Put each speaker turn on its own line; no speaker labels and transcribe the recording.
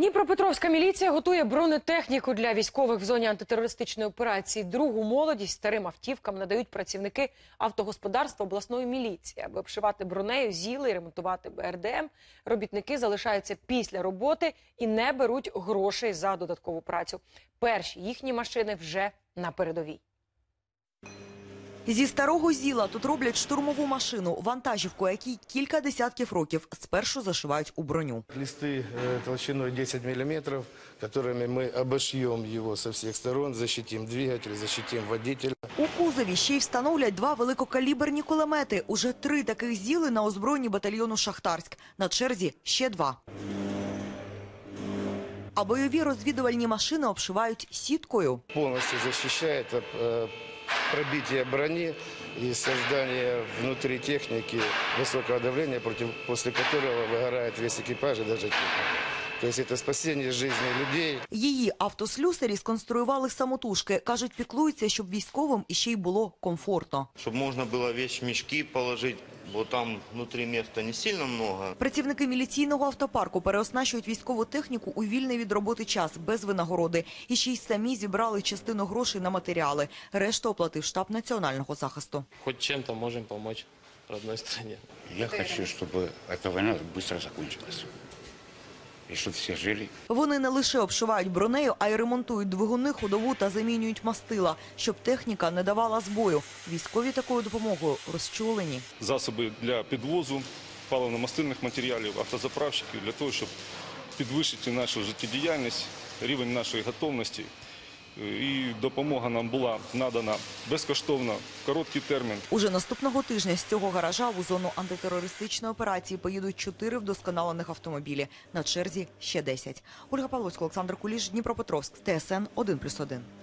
Дніпропетровська міліція готує бронетехніку для військових в зоні антитерористичної операції. Другу молодість старим автівкам надають працівники автогосподарства обласної міліції. Аби обшивати бронею ЗІЛи і ремонтувати БРДМ, робітники залишаються після роботи і не беруть грошей за додаткову працю. Перші їхні машини вже на передовій.
Зі старого ЗІЛа тут роблять штурмову машину, вантажівку, якій кілька десятків років спершу зашивають у броню.
Листы толщиной 10 мм, которыми мы обошьем его со всех сторон, защитим двигатель, защитим водителя.
У кузові ще й встановлять два великокаліберні кулемети. Уже 3 таких ЗІЛи на озброєнні батальйону «Шахтарськ». На черзі ще 2. А бойові розвідувальні машини обшивають сіткою.
Полностью защищает пробитие брони и создание внутри техники высокого давления, после которого выгорает весь экипаж и даже техника. То есть это спасение жизни людей.
Її автослюсарі сконструювали самотужки. Кажуть, піклуються, щоб військовим іще й було комфортно.
Щоб можна було вещмішки положити, бо там внутрі місця не сильно багато.
Працівники міліційного автопарку переоснащують військову техніку у вільний від роботи час, без винагороди. І ще й самі зібрали частину грошей на матеріали. Решту оплатив штаб національного захисту.
Хоч чим-то можемо допомогти родній країні.
Я хочу, щоб ця війна швидко закінчилась. І щоб всі жили.
Вони не лише обшивають бронею, а й ремонтують двигуни, ходову та замінюють мастила, щоб техніка не давала збою. Військові такою допомогою розчулені.
Засоби для підвозу паливно-мастильних матеріалів, автозаправщиків, для того, щоб підвищити нашу життєдіяльність, рівень нашої готовності. І допомога нам була надана безкоштовно, в короткий термін.
Уже наступного тижня з цього гаража у зону антитерористичної операції поїдуть 4 вдосконалених автомобілі. На черзі ще 10. Ольга Павловська, Олександр Куліш, Дніпропетровськ, ТСН 1+1.